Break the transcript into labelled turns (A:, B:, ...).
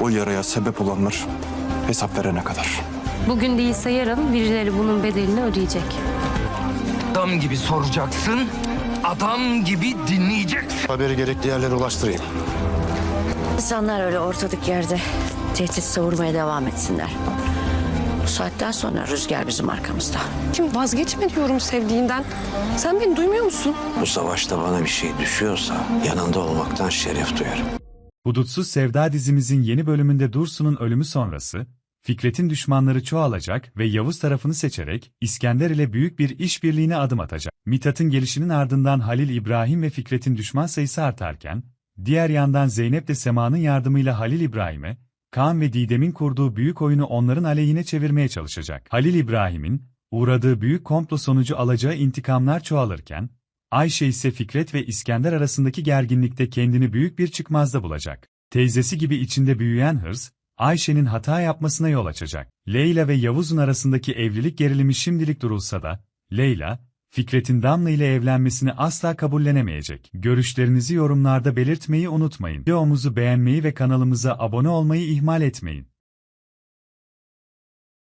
A: O yaraya sebep olanlar hesap verene kadar.
B: Bugün değilse yarın birileri bunun bedelini ödeyecek.
C: Adam gibi soracaksın, adam gibi dinleyeceksin.
D: Haberi gerekli yerlere ulaştırayım.
E: İnsanlar öyle ortadık yerde tehdit savurmaya devam etsinler. Bu saatten sonra rüzgar bizim arkamızda.
F: Kim vazgeçme diyorum sevdiğinden. Sen beni duymuyor musun?
G: Bu savaşta bana bir şey düşüyorsa yanında olmaktan şeref duyarım.
H: Hudutsuz Sevda dizimizin yeni bölümünde Dursun'un ölümü sonrası, Fikret'in düşmanları çoğalacak ve Yavuz tarafını seçerek İskender ile büyük bir işbirliğine adım atacak. Mithat'ın gelişinin ardından Halil İbrahim ve Fikret'in düşman sayısı artarken, diğer yandan Zeynep de Sema'nın yardımıyla Halil İbrahim'e, Kaan ve Didem'in kurduğu büyük oyunu onların aleyhine çevirmeye çalışacak. Halil İbrahim'in, uğradığı büyük komplo sonucu alacağı intikamlar çoğalırken, Ayşe ise Fikret ve İskender arasındaki gerginlikte kendini büyük bir çıkmazda bulacak. Teyzesi gibi içinde büyüyen hırs, Ayşe'nin hata yapmasına yol açacak. Leyla ve Yavuz'un arasındaki evlilik gerilimi şimdilik durulsa da, Leyla, Fikret'in Damla ile evlenmesini asla kabullenemeyecek. Görüşlerinizi yorumlarda belirtmeyi unutmayın. Videomuzu beğenmeyi ve kanalımıza abone olmayı ihmal etmeyin.